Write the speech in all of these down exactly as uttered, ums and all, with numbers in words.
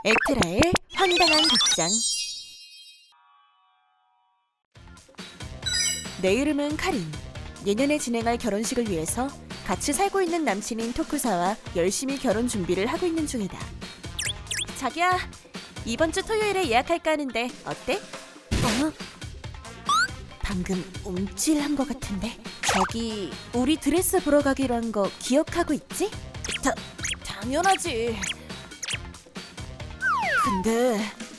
에트라의 황당한 극장. 내 이름은 카린. 내년에 진행할 결혼식을 위해서 같이 살고 있는 남친인 토쿠사와 열심히 결혼 준비를 하고 있는 중이다. 자기야, 이번 주 토요일에 예약할까 하는데 어때? 어? 방금 움찔한 것 같은데. 저기, 우리 드레스 보러 가기로 한 거 기억하고 있지? 다, 당연하지. 근데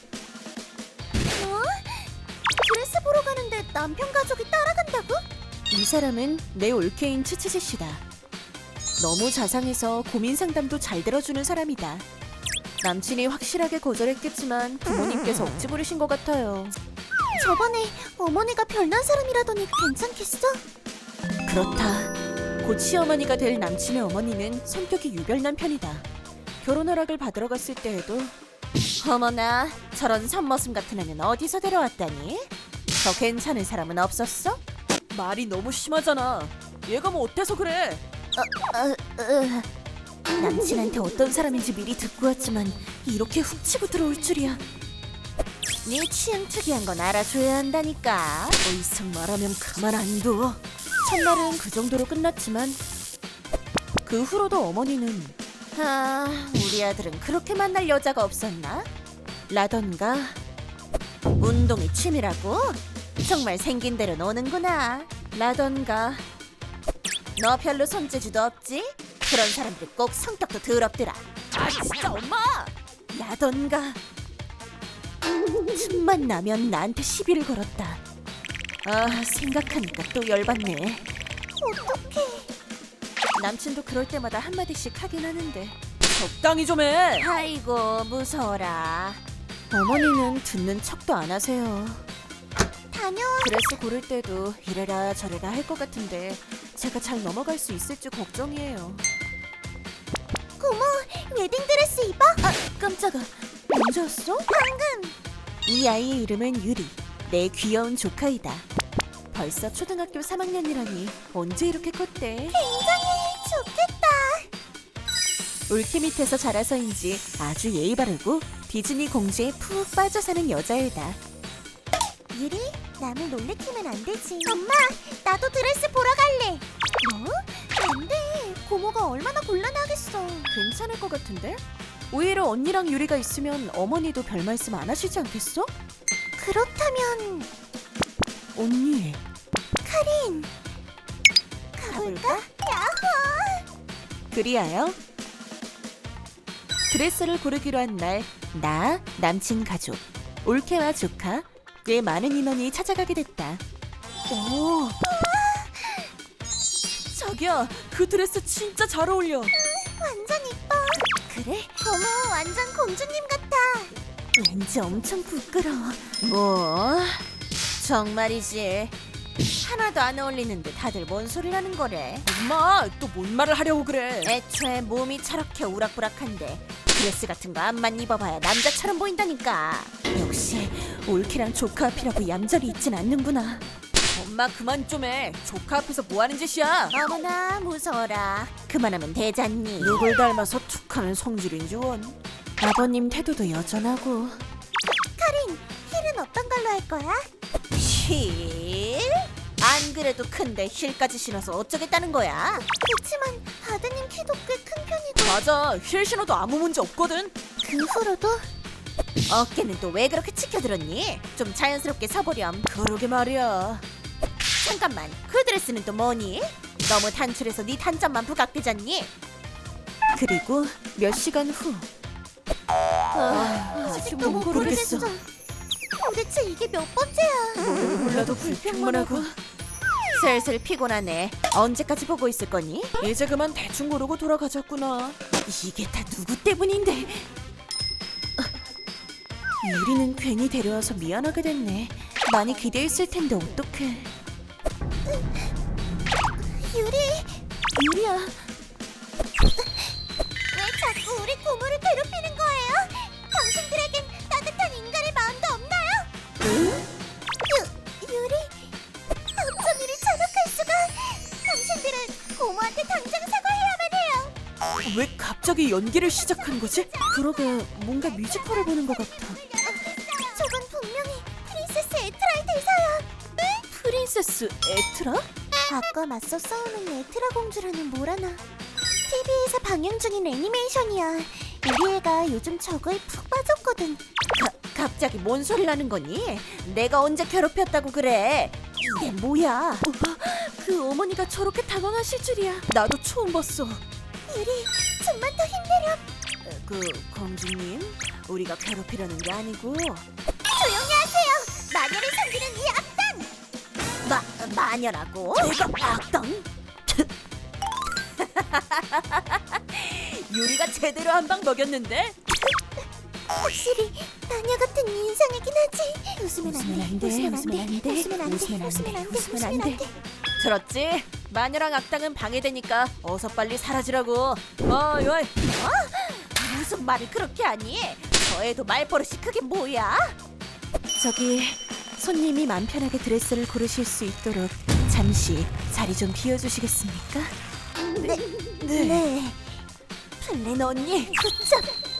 뭐? 드레스 보러 가는데 남편 가족이 따라간다고? 이 사람은 내 올케인 츠츠지 씨다. 너무 자상해서 고민 상담도 잘 들어주는 사람이다. 남친이 확실하게 거절했겠지만 부모님께서 억지 부리신 것 같아요. 저번에 어머니가 별난 사람이라더니 괜찮겠어? 그렇다. 곧 시어머니가 될 남친의 어머니는 성격이 유별난 편이다. 결혼 허락을 받으러 갔을 때에도 어머나, 저런 선머슴 같은 애는 어디서 데려왔다니? 더 괜찮은 사람은 없었어? 말이 너무 심하잖아. 얘가 뭐 어때서 그래? 어, 어. 남친한테 어떤 사람인지 미리 듣고 왔지만 이렇게 훅 치고 들어올 줄이야. 네 취향 특이한 건 알아줘야 한다니까. 더 이상 말하면 가만 안 둬. 첫날은 그 정도로 끝났지만 그 후로도 어머니는 아, 우리 아들은 그렇게 만날 여자가 없었나? 라던가 운동이 취미라고? 정말 생긴 대로 노는구나. 라던가 너 별로 손재주도 없지? 그런 사람들 꼭 성격도 더럽더라. 아 진짜 엄마! 라던가 틈만 나면 나한테 시비를 걸었다. 아 생각하니까 또 열받네. 어떡해. 남친도 그럴 때마다 한마디씩 하긴 하는데 적당히 좀 해! 아이고 무서워라. 어머니는 듣는 척도 안 하세요. 다녀와. 드레스 고를 때도 이래라 저래라 할 것 같은데 제가 잘 넘어갈 수 있을지 걱정이에요. 고모, 웨딩드레스 입어? 아 깜짝아. 언제였어? 방금. 이 아이의 이름은 유리. 내 귀여운 조카이다. 벌써 초등학교 삼 학년이라니 언제 이렇게 컸대? 굉장히 좋겠다. 올케 밑에서 자라서인지 아주 예의 바르고 디즈니 공주에 푹 빠져 사는 여자애다. 유리, 남을 놀래키면 안 되지. 엄마, 나도 드레스 보러 갈래. 뭐? 안 돼. 고모가 얼마나 곤란하겠어. 괜찮을 것 같은데? 오히려 언니랑 유리가 있으면 어머니도 별 말씀 안 하시지 않겠어? 그렇다면 언니 카린, 가볼까? 야호! 그리하여 드레스를 고르기로 한 날 나, 남친 가족, 올케와 조카 꽤 많은 인원이 찾아가게 됐다. 오, 자기야 그 드레스 진짜 잘 어울려. 완전 이뻐. 그래? 고모, 완전 공주님 같아. 왠지 엄청 부끄러워. 뭐? 정말이지. 하나도 안 어울리는데 다들 뭔 소리를 하는 거래? 엄마 또 뭔 말을 하려고 그래? 애초에 몸이 저렇게 우락부락한데 드레스 같은 거 암만 입어봐야 남자처럼 보인다니까. 역시 올케랑 조카 앞이라고 얌전히 있진 않는구나. 엄마 그만 좀 해. 조카 앞에서 뭐 하는 짓이야? 어머나, 무서워라. 그만하면 되잖니. 누굴 닮아서 툭하는 성질인지 원. 아버님 태도도 여전하고. 카린, 힐은 어떤 걸로 할 거야? 힐? 안 그래도 큰데 힐까지 신어서 어쩌겠다는 거야? 그치만 아드님 키도 꽤 큰 편이고. 맞아, 힐 신어도 아무 문제 없거든. 그 후로도 어깨는 또 왜 그렇게 치켜들었니? 좀 자연스럽게 서보렴. 그러게 말이야. 잠깐만, 그 드레스는 또 뭐니? 너무 단출해서 네 단점만 부각되잖니? 그리고 몇 시간 후 아, 아직 못 고르겠어. 도대체 이게 몇 번째야? 몰라도 불평만 하고 슬슬 피곤하네. 언제까지 보고 있을 거니? 이제 그만 대충 고르고 돌아가자꾸나. 이게 다 누구 때문인데? 아, 유리는 괜히 데려와서 미안하게 됐네. 많이 기대했을 텐데 어떡해. 유리, 유리야, 왜 자꾸 우리 고모를 괴롭히는 거예요? 당신들에겐 따뜻한 인간의 마음도 없나요? 유, 유리, 어쩜 이리 잔혹할 수가? 당신들은 고모한테 당장 사과해야만 해요. 왜 갑자기 갑자기 연기를 시작한 거지? 그러게 뭔가 뮤지컬을 보는 것 같아. 저건 분명히 프린세스 에트라의 대사야. 프린세스 에트라? 아까 맞서 싸우는 에트라 공주라는 뭐라나. 티비에서 방영 중인 애니메이션이야. 우리 애가 요즘 저거에 푹 빠졌거든. 가, 갑자기 뭔 소리를 하는 거니? 내가 언제 괴롭혔다고 그래? 이게 뭐야? 어, 그 어머니가 저렇게 당황하실 줄이야. 나도 처음 봤어. 유리, 좀만 더 힘내렴. 그 공주님, 우리가 괴롭히려는 게 아니고 조용히 하세요. 마녀를 섬기는 이 악당. 마 마녀라고? 내가 악당? 유리가 제대로 한 방 먹였는데? 확실히 마녀 같은 인상이긴 하지. 웃으면 안 돼. 웃으면 웃으면 안 안 돼. 돼. 웃으면 안 돼. 웃으면 안 웃으면 돼. 안 돼. 웃으면 웃으면 안 안 돼. 돼. 들었지? 마녀랑 악당은 방해되니까 어서 빨리 사라지라고. 어이 어이. 어? 무슨 말을 그렇게 하니? 저 애도 말버릇이 그게 뭐야? 저기 손님이 맘 편하게 드레스를 고르실 수 있도록 잠시 자리 좀 비워주시겠습니까? 네. 네. 네. 플랜 언니 굿잡.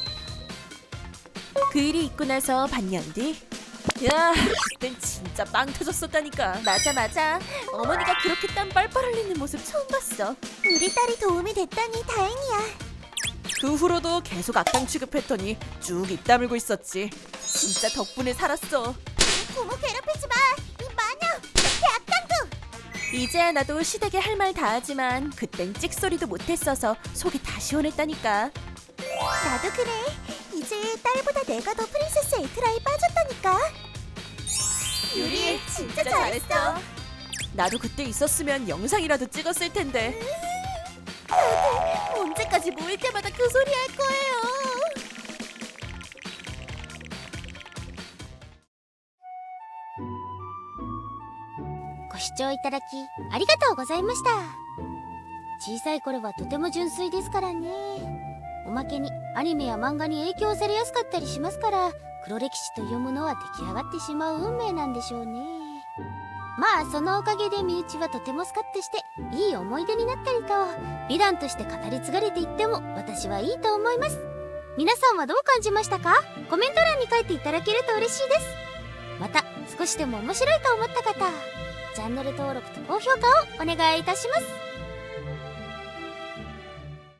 그 일이 있고 나서 반년 뒤, 야, 그땐 진짜 빵 터졌었다니까. 맞아 맞아. 어머니가 그렇게 땀 뻘뻘 흘리는 모습 처음 봤어. 우리 딸이 도움이 됐다니 다행이야. 그 후로도 계속 악당 취급했더니 쭉 입 다물고 있었지. 진짜 덕분에 살았어. 부모 괴롭히지 마. 이 마녀. 내 악당도. 이제야 나도 시댁에 할 말 다 하지만 그땐 찍소리도 못했어서 속이 다 시원했다니까. 나도 그래. 이제 딸보다 내가 더 프린세스 에트라에 빠졌다니까. 유리, 진짜 잘했어. 나도 그때 있었으면 영상이라도 찍었을 텐데. 언제까지 모일 때마다 그 소리 할 거예요. ご視聴いただきありがとうございました。小さい頃はとても純粋ですからね。おまけにアニメや漫画に影響されやすかったりしますから、黒歴史というものは出来上がってしまう運命なんでしょうね。まあそのおかげで身内はとてもスカッとしていい思い出になったりと、美談として語り継がれていっても私はいいと思います。皆さんはどう感じましたか？コメント欄に書いていただけると嬉しいです。また少しでも面白いと思った方、チャンネル登録と高評価をお願いいたします。